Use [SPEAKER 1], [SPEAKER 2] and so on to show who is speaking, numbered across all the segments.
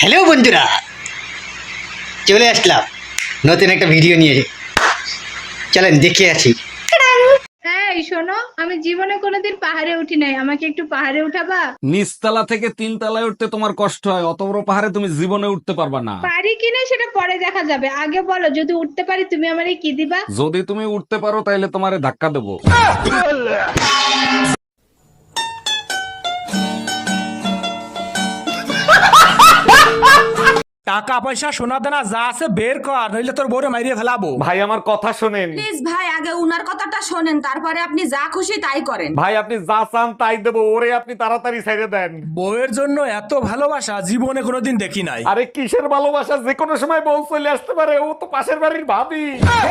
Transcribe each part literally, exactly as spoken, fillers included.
[SPEAKER 1] Hello বন্ধুরা, চলে আসলাম নতুন একটা ভিডিও নিয়ে। চলেন দেখে আছি।
[SPEAKER 2] হ্যাঁ শোনো, আমি জীবনে কোনোদিন পাহাড়ে উঠি নাই, আমাকে একটু পাহাড়ে উঠাবা?
[SPEAKER 3] নিচতলা থেকে তিন তলায় উঠতে তোমার কষ্ট হয়, অত বড় পাহাড়ে তুমি জীবনে উঠতে পারবা না।
[SPEAKER 2] পারি কিনা সেটা পরে দেখা যাবে, আগে বলো যদি উঠতে পারি তুমি আমারে কি দিবা?
[SPEAKER 3] যদি তুমি উঠতে পারো তাহলে তোমারে ধাক্কা দেবো।
[SPEAKER 4] টাকা পয়সা সোনা দানা যা আছে বের কর, নইলে তোর বউরে মাইরিয়ে ফেলাবো।
[SPEAKER 3] ভাই আমার কথা শোনেন।
[SPEAKER 5] প্লিজ ভাই, আগে উনার কথাটা শোনেন, তারপরে আপনি যা খুশি তাই করেন।
[SPEAKER 3] ভাই আপনি যা চান তাই দেবো, ওরে আপনি তাড়াতাড়ি ছেড়ে দেন।
[SPEAKER 4] বউয়ের জন্য এত ভালোবাসা জীবনে কোনোদিন দেখি নাই।
[SPEAKER 3] আরে কিসের ভালোবাসা, যে কোনো সময় বউ চলে আসতে পারে, ও তো পাশের বাড়ির ভাবি।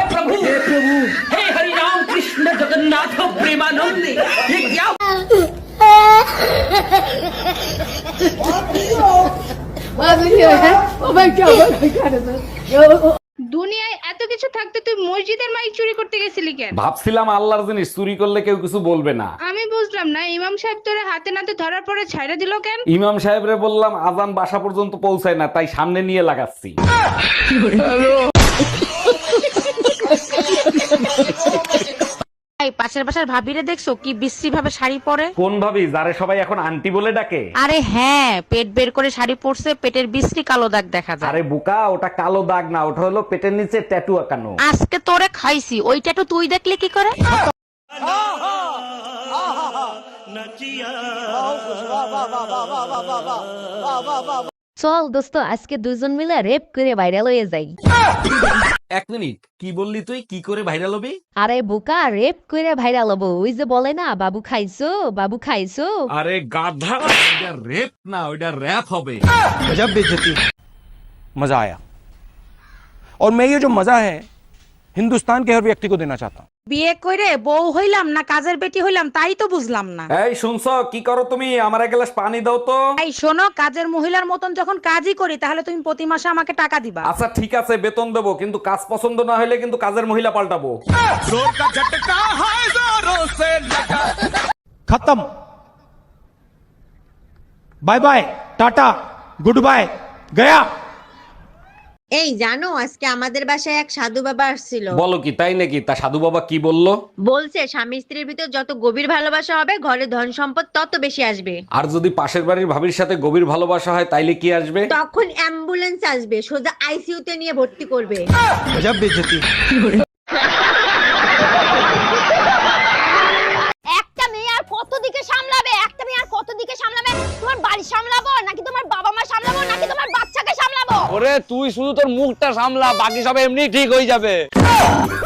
[SPEAKER 2] দুনিয়ায় এত কিছু থাকতে তুই মসজিদের মাইক চুরি করতে গেছিলি কেন?
[SPEAKER 3] ভাবছিলাম আল্লাহর জিনিস চুরি করলে কেউ কিছু বলবে না।
[SPEAKER 2] আমি বুঝলাম না, ইমাম সাহেব তোরে হাতে নাতে ধরার পরে ছাইড়া দিল কেন?
[SPEAKER 3] ইমাম সাহেবরে বললাম আজান বাসা পর্যন্ত পৌঁছায় না, তাই সামনে নিয়ে লাগাচ্ছি।
[SPEAKER 6] পাশের বাসার ভাবিরে দেখছো কি বিশ্রী ভাবে শাড়ি পরে?
[SPEAKER 3] কোন ভাবি যারে সবাই এখন আন্টি বলে ডাকে?
[SPEAKER 6] আরে হ্যাঁ, পেট বের করে শাড়ি পরছে, পেটের বিশ্রী কালো দাগ দেখা যায়।
[SPEAKER 3] আরে বুকা, ওটা কালো দাগ না, ওটা হলো পেটের নিচে ট্যাটু আঁকানো।
[SPEAKER 6] আজকে তোরে খাইছি, ওইটা তো তুই দেখলে কি করে?
[SPEAKER 7] চল দোস্ত, আজকে দুজন মিলে রেপ করে ভাইরাল হয়ে যাই।
[SPEAKER 3] এক মিনিট, কি বললি তুই? কি করে ভাইরাল হবি?
[SPEAKER 7] আরে বোকা, রেপ করে ভাইরাল হবো। ওই যে বলে না, বাবু খাইছো বাবু খাইছো।
[SPEAKER 3] আরে গাধা, ওটা রেপ না, ওটা র‍্যাপ হবে।
[SPEAKER 4] गजब बेइज्जती। मजा आया और मैं ये जो मजा है हिंदुस्तान के हर व्यक्ति को देना चाहता हूँ।
[SPEAKER 6] বিয়ে করে বউ হইলাম না কাজের বেটি হইলাম তাই তো বুঝলাম না।
[SPEAKER 3] এই শুনছো, কি করো তুমি? আমার এক গ্লাস পানি দাও তো।
[SPEAKER 6] এই শোনো, কাজের মহিলার মতন যখন কাজই করি তাহলে তুমি প্রতি মাসে আমাকে টাকা দিবা।
[SPEAKER 3] আচ্ছা ঠিক আছে, বেতন দেবো, কিন্তু কাজ পছন্দ না হলে কিন্তু কাজের মহিলা পাল্টাবো।
[SPEAKER 4] खत्म। Bye bye, tata, good bye, गया।
[SPEAKER 8] এই জানো, আজকে আমাদের বাসায় এক সাধু বাবা আসছিল।
[SPEAKER 3] বলো কি, তাই নাকি? তা সাধু বাবা কি বললো?
[SPEAKER 8] বলছে স্বামী স্ত্রীর ভিতর যত গভীর ভালোবাসা হবে, ঘরে ধন সম্পদ তত বেশি আসবে।
[SPEAKER 3] আর যদি পাশের বাড়ির ভাবির সাথে গভীর ভালোবাসা হয় তাইলে কি আসবে?
[SPEAKER 8] তখন অ্যাম্বুলেন্স আসবে, সোজা আইসিইউ তে নিয়ে ভর্তি করবে।
[SPEAKER 4] गजब बेइज्जती।
[SPEAKER 9] একটা মেয়ে আর কত দিকে সামলাবে? একটা মেয়ে আর কত দিকে সামলাবে? তোমার বাড়ি সামলাবো নাকি তোমার বাবা মা সামলাবো নাকি তোমার বাচ্চাকে সামলাবো?
[SPEAKER 10] ওরে তুই শুধু তোর মুখটা সামলা, বাকি সব এমনি ঠিক হয়ে যাবে।